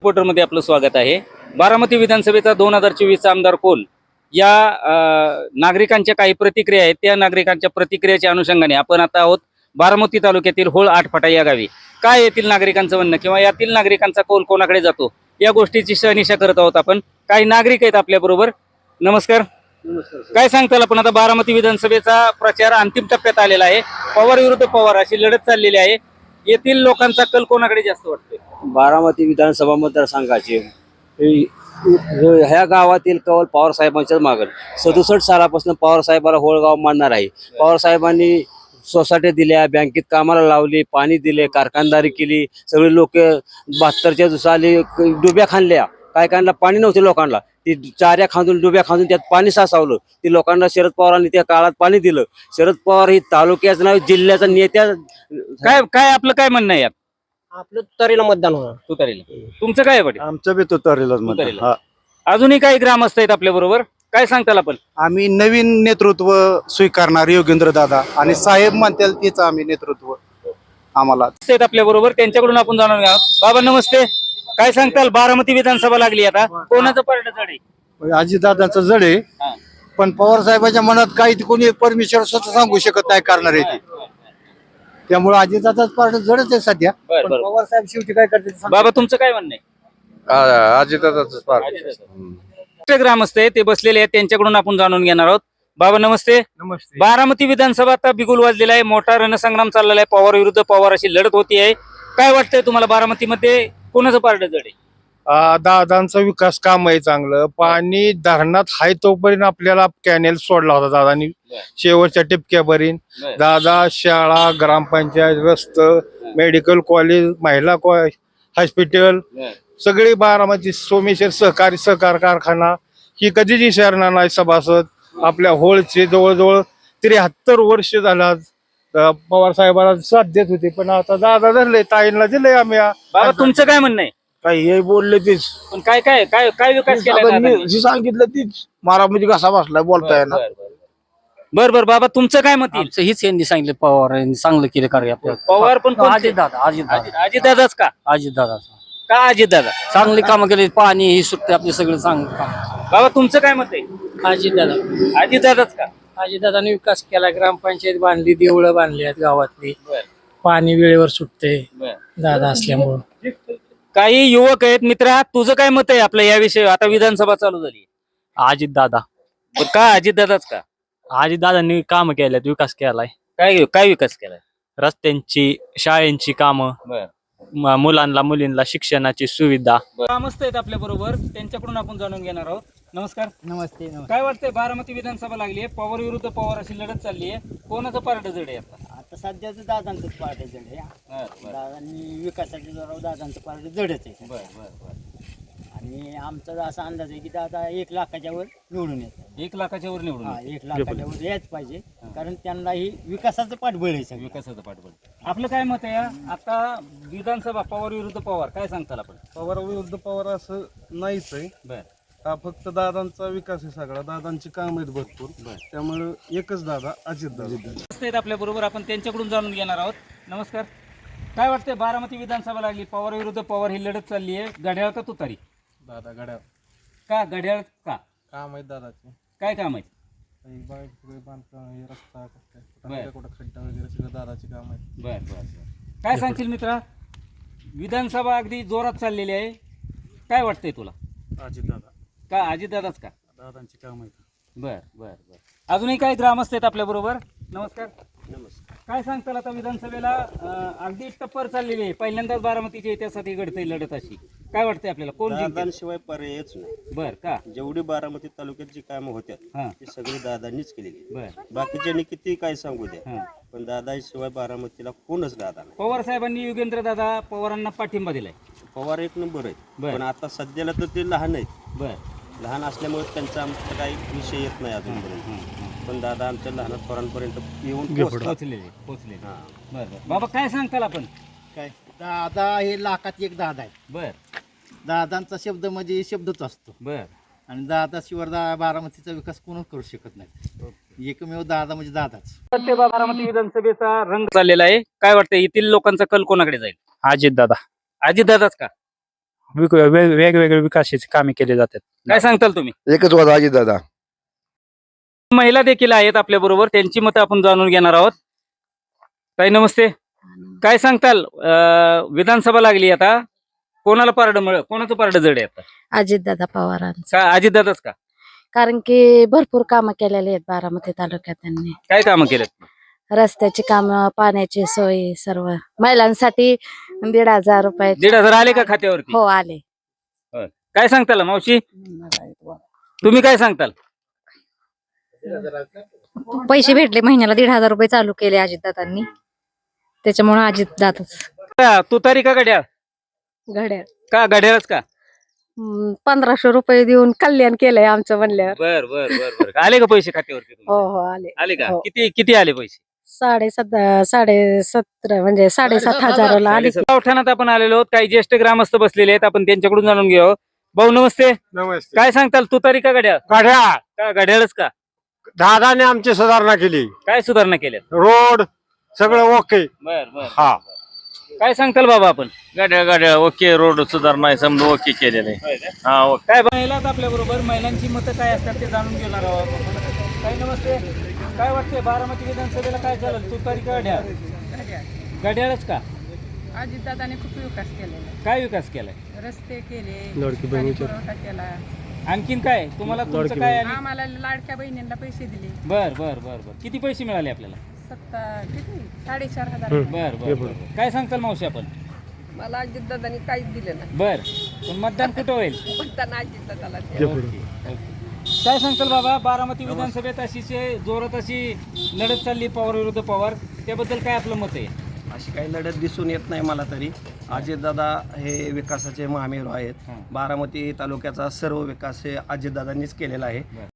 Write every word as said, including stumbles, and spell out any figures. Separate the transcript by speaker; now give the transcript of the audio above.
Speaker 1: रिपोर्टरमध्ये आपलं स्वागत आहे। बारामती विधानसभेचा दोन हजार चोवीसचा आमदार कोण या नागरिकांच्या काही प्रतिक्रिया आहेत, त्या नागरिकांच्या प्रतिक्रियेच्या अनुषंगाने आपण आता आहोत बारामती तालुक्यातील होळ आठफाटा या गावी। काय येथील नागरिकांचं म्हणणं किंवा यातील नागरिकांचा कौल कोणाकडे जातो या गोष्टीची शहानिशा करत आहोत आपण। काही नागरिक आहेत आपल्या बरोबर। नमस्कार।
Speaker 2: नमस्कार।
Speaker 1: काय सांगताल आपण? आता बारामती विधानसभेचा प्रचार अंतिम टप्प्यात आलेला आहे। पवार विरुद्ध पवार अशी लढत चाललेली आहे। येथील लोकांचा कल कोणाकडे जास्त वाटतोय?
Speaker 2: बारामती विधानसभा मतदारसंघाचे ह्या गावातील कौल पवार साहेबांच्याच मागं। सदुसष्ट सालापासून पवार साहेबाला होळगाव मानणार आहे। पवार साहेबांनी सोसायटी दिल्या, बँकेत कामाला लावली, पाणी दिले, कारखानदारी केली। सगळे लोक बहात्तरच्या दिवसाली डुब्या खांदल्या, काय कायला पाणी नव्हते लोकांना, ती चाऱ्या खांदून डुब्या खांदून त्यात पाणी साचवलं। ती लोकांना शरद पवारांनी त्या काळात पाणी दिलं। शरद पवार ही तालुक्याचं नाव, जिल्ह्याचा नेत्या।
Speaker 1: काय काय आपलं काय म्हणणं आहे?
Speaker 3: आपलं तुतारीला मतदान होणार।
Speaker 1: तुतारीला। तुमचं काय आहे पाटील?
Speaker 4: आमचं बी तुतारीलाच मतदान।
Speaker 1: तुतारीला।
Speaker 4: हा,
Speaker 1: अजूनही काही ग्रामस्थ आहेत आपल्या बरोबर। काय सांगताल आपण?
Speaker 4: आम्ही नवीन नेतृत्व स्वीकारणार योगेंद्र दादा आणि साहेब म्हणतील तेच आम्ही नेतृत्व आम्हाला
Speaker 1: आहेत आपल्या बरोबर, त्यांच्याकडून आपण जाणून घ्या। बाबा नमस्ते। काय सांगताल? बारामती विधानसभा लागली आता, कोणाचं पारडं जड आहे?
Speaker 4: अजितदादांचं जड आहे,
Speaker 1: हा.
Speaker 4: पण पवार साहेबांच्या मनात काही कोणी परमेश्वर स्वतः सांगू शकत नाही करणार आहे ते। त्यामुळे अजितदादाच पार्ट जडच आहे सध्या।
Speaker 1: बरं,
Speaker 4: पण
Speaker 1: बरं।
Speaker 4: पवार साहेब शेवटी काय करते ते सांगता
Speaker 1: बाबा तुमचं काय म्हणणं आहे?
Speaker 4: अजितदादाच पार्ट।
Speaker 1: अजितदादा। ग्रामस्थ आहे ते बसलेले आहेत, त्यांच्याकडून आपण जाणून घेणार आहोत। बाबा नमस्ते।
Speaker 4: नमस्ते।
Speaker 1: बारामती विधानसभा आता बिगुल वाजलेला आहे, मोठा रणसंग्राम चाललेला आहे, पवार विरुद्ध पवार अशी लढत होती आहे। काय वाटतंय तुम्हाला बारामतीमध्ये कोणाचं पारडं जड आहे?
Speaker 5: दादांचा विकास काम आहे चांगलं। पाणी धरणात हाय तोपर्यंत आपल्याला कॅनेल सोडला होता दादानी, शेवटच्या टिपक्यापर्यंत। दादा शाळा, ग्रामपंचायत, रस्त, मेडिकल कॉलेज, महिला हॉस्पिटल, सगळी बारामती सोमेश्वर सहकारी सहकार कारखाना ही कधीच विसरणार नाही सभासद। आपल्या होळचे जवळजवळ त्र्याहत्तर वर्ष झाला पवार साहेबांना साथ देत होते, पण आता दादा धरले, ताईंना दिलंय आम्ही।
Speaker 1: बाबा तुमचं काय म्हणणं आहे?
Speaker 6: काही हे बोलले तीच
Speaker 1: पण काय काय काय काय विकास केला दादांनी?
Speaker 6: जी सांगितलं तीच मारामध्ये कसा बसलाय बोलताय ना।
Speaker 1: बर बर बाबा तुमचं काय मत येईल?
Speaker 3: आमचं हीच यांनी सांगितलं, पवार यांनी चांगलं केलं कार्य आपलं।
Speaker 1: पवार पण
Speaker 3: अजित दादा अजित दादा
Speaker 1: अजित दादाच का?
Speaker 3: अजित दादा
Speaker 1: का अजित दादा?
Speaker 3: चांगली कामं केली, पाणी ही सुट्टी आपले सगळे चांगलं काम।
Speaker 1: बाबा तुमचं काय मत आहे?
Speaker 3: अजित दादा
Speaker 1: अजित दादाच का?
Speaker 3: अजित दादाने विकास केला, ग्रामपंचायत बांधली, देवळं बांधली आहेत गावातली, पाणी वेळेवर सुटते दादा असल्यामुळं।
Speaker 1: काही युवक आहेत मित्रा, तुझं काय मत आहे आपलं याविषयी? आता विधानसभा चालू झाली,
Speaker 3: अजित दादा
Speaker 1: का अजित दादाच का?
Speaker 3: अजित दादांनी काम केल्यात, विकास केलाय,
Speaker 1: काय काय विकास केलाय?
Speaker 3: रस्त्यांची, शाळेंची कामं, म- मुलांना मुलींना शिक्षणाची सुविधा।
Speaker 1: ग्रामस्थ आहेत आपल्या बरोबर, त्यांच्याकडून आपण जाणून घेणार आहोत। नमस्कार।
Speaker 2: नमस्ते।
Speaker 1: काय वाटतंय? बारामती विधानसभा लागली आहे, पवार विरुद्ध पवार अशी लढत चालली आहे, कोणाचं पारडं जड आहे आता?
Speaker 2: आता सध्याच दादांचं पार्ट जड आहे। दादांनी विकासाच्या जोरावर दादांचं पार्ट जडच आहे।
Speaker 1: बर बर बर।
Speaker 2: आणि आमचा असा अंदाज आहे की दादा एक लाखाच्या वर निवडून येतात।
Speaker 1: एक लाखाच्या वर निवडून
Speaker 2: हा,
Speaker 1: येईल.
Speaker 2: एक लाखाच्या वर यायच पाहिजे, कारण त्यांनाही विकासाचं पाठबळ आहे सगळं।
Speaker 1: विकासाचं पाठबळ। आपलं काय मत आहे? आता विधानसभा पवार विरुद्ध पवार, काय सांगताल आपण?
Speaker 7: पवार विरुद्ध पवार असं नाहीच आहे।
Speaker 1: बर
Speaker 7: हा फक्त दादांचा विकास आहे सगळा, दादांची काम आहेत भरपूर, त्यामुळे एकच दादा, अजित दादा।
Speaker 1: आहेत आपल्या बरोबर, आपण त्यांच्याकडून जाणून घेणार आहोत। नमस्कार। काय वाटतंय? बारामती विधानसभा लागली, पवार विरुद्ध पवार ही लढत चालली आहे, घड्याळ का तुतारी?
Speaker 7: दादा गड्या
Speaker 1: का घड्याळ का?
Speaker 7: काम आहेत दादाचे,
Speaker 1: काय काम आहे?
Speaker 7: बांधकाम, हे रस्ता,
Speaker 1: बरं.
Speaker 7: कुठं खड्डा वगैरे सगळं दादाचे काम आहेत।
Speaker 1: बर बर बर। काय सांगशील मित्रा? विधानसभा अगदी जोरात चाललेली आहे, काय वाटतंय तुला?
Speaker 7: अजित दादा,
Speaker 1: का अजित दादाच का?
Speaker 7: दादांची काम आहेत।
Speaker 1: बर बर बर। अजूनही काही ग्रामस्थ आहेत आपल्या बरोबर। नमस्कार।
Speaker 2: नमस्कार।
Speaker 1: काय सांगताल? आता विधानसभेला अं, अगदी टप्पर चाललेली आहे, पहिल्यांदाच बारामतीच्या इतिहासात ही घडते लढत अशी, काय वाटतंय आपल्याला? कोण जिंकेल?
Speaker 8: दादांशिवाय पर्यायच नाही।
Speaker 1: बर का?
Speaker 8: जेवढी बारामती तालुक्यात जी कामं होत्या
Speaker 1: हा
Speaker 8: ती सगळी दादांनीच केलेली आहेत।
Speaker 1: बर
Speaker 8: बाकीच्यांनी किती काय सांगू द्या,
Speaker 1: हा।
Speaker 8: पण दादाशिवाय बारामतीला कोणच दादा नाही।
Speaker 1: पवार साहेबांनी युगेंद्र दादा पवारांना पाठिंबा दिलाय।
Speaker 8: पवार एक नंबर आहेत,
Speaker 1: बर.
Speaker 8: पण आता सध्याला तर ते लहान आहेत।
Speaker 1: बर
Speaker 8: लहान असल्यामुळे त्यांचा आमचा काही विषय येत नाही अजूनपर्यंत, पण दादा आमच्या लहान पोरांपर्यंत येऊन पोहोचतात।
Speaker 1: पोचलेले पोचलेले
Speaker 8: हा.
Speaker 1: बर बर। बाबा काय सांगताल आपण?
Speaker 2: काय दादा हे लाखात एक दादा आहे।
Speaker 1: बर
Speaker 2: दादांचा शब्द म्हणजे शब्दच असतो,
Speaker 1: बर
Speaker 2: आणि दादा शिवाय दा बारामतीचा विकास कोणच करू शकत नाही। एकमेव दादा म्हणजे दादाच।
Speaker 1: ते बारामती विधानसभेचा रंग चाललेला आहे, काय वाटतंय येथील लोकांचा कल कोणाकडे जाईल?
Speaker 3: अजित दादा
Speaker 1: अजित दादाच का?
Speaker 9: विक- वे- वेगवेगळे विकासाची कामे केली जातात.
Speaker 1: काय सांगताल तुम्ही?
Speaker 4: एकच वाद अजित दादा.
Speaker 1: महिला देखील आहेत आपल्या बरोबर, त्यांची मतं आपण जाणून घेणार आहोत. ताई नमस्ते, काय सांगताल? अं, विधानसभा लागली आता, कोणाला पारड मिळ कोणाचं पारड जड आहे आता?
Speaker 10: अजितदादा पवारांचं.
Speaker 1: का अजितदादाच का?
Speaker 10: कारण की भरपूर कामं केलेली आहेत बारामती तालुक्यात त्यांनी.
Speaker 1: काय कामं केलेत?
Speaker 10: रस्त्याची कामं, पाण्याची सोय, सर्व महिलांसाठी दीड हजार रुपये.
Speaker 1: दीड हजार आले का खात्यावरती?
Speaker 10: हो आले.
Speaker 1: काय सांगताल मावशी, तुम्ही काय सांगताल?
Speaker 10: पैसे भेटले महिन्याला दीड हजार रुपये चालू केले अजितदादांनी, त्याच्यामुळे अजितदादाच.
Speaker 1: का तुतारी का घड्याळ?
Speaker 10: घड्याळ
Speaker 1: का घड्याळच का?
Speaker 10: हम्म, पंधराशे रुपये देऊन कल्याण केलंय आमचं म्हणल्यावर.
Speaker 1: बर बर बर बर आले का पैसे खात्यावरती तुमच्या?
Speaker 10: हो हो आले.
Speaker 1: आले का?
Speaker 10: हो.
Speaker 1: किती किती आले पैसे?
Speaker 10: साडे सत साडे सतरा म्हणजे साडेसात हजाराला आले.
Speaker 1: गावठाणात आपण आलेलो आहोत, काही ज्येष्ठ ग्रामस्थ बसलेले आहेत, आपण त्यांच्याकडून जाणून घेऊ. भाऊ नमस्ते,
Speaker 5: नमस्ते.
Speaker 1: काय सांगताल? तुतारी का घड्याळ?
Speaker 5: गाड्या
Speaker 1: का घड्याळच का?
Speaker 5: दादाने आमची सुधारणा केली,
Speaker 1: काय सुधारणा केल्यात?
Speaker 5: रोड सगळं ओके.
Speaker 1: बर बर
Speaker 5: हा.
Speaker 1: काय सांगताल बाबा आपण?
Speaker 8: गाड्या गाड्या ओके, रोड सुधारणा समजा ओके केलेले. हा ओके.
Speaker 1: काय महिलाच आपल्या बरोबर, महिलांची मतं काय असतात ते जाणून घेणार आहोत आपण. काय नमस्ते, काय वाटतंय बारामती विधानसभेला काय चालेल? तुतारी का घड्याळ? घड्याळच का?
Speaker 10: अजितदादाने खूप विकास केलेला,
Speaker 1: काय विकास केलाय?
Speaker 10: रस्ते केले,
Speaker 5: लाडकी बहिणीच्या-
Speaker 10: पुरवठा केला.
Speaker 1: आणखीन काय तुम्हाला तुमचं काय आणि-
Speaker 10: आम्हाला लाडक्या बहिणींना पैसे दिले.
Speaker 1: बर बर बर बर किती पैसे मिळाले आपल्याला?
Speaker 10: सत्ता किती साडेचार हजार.
Speaker 1: बर बर बर. काय सांगताल मावशी आपण?
Speaker 10: मला अजितदादांनी काहीच दिलं नाही.
Speaker 1: बर, पण मतदान कुठं होईल?
Speaker 10: मतदान अजितदादाला.
Speaker 1: Okay, okay. काय सांगताल बाबा, बारामती विधानसभेत अशी जोरात अशी लढत चालली पवार विरुद्ध पवार, त्याबद्दल काय आपलं मत आहे?
Speaker 8: अशी काही लढत दिसून येत नाही मला तरी. अजितदादा हे विकासाचे महामेरू आहेत. बारामती तालुक्याचा सर्व विकास हे अजितदादांनीच केलेला आहे.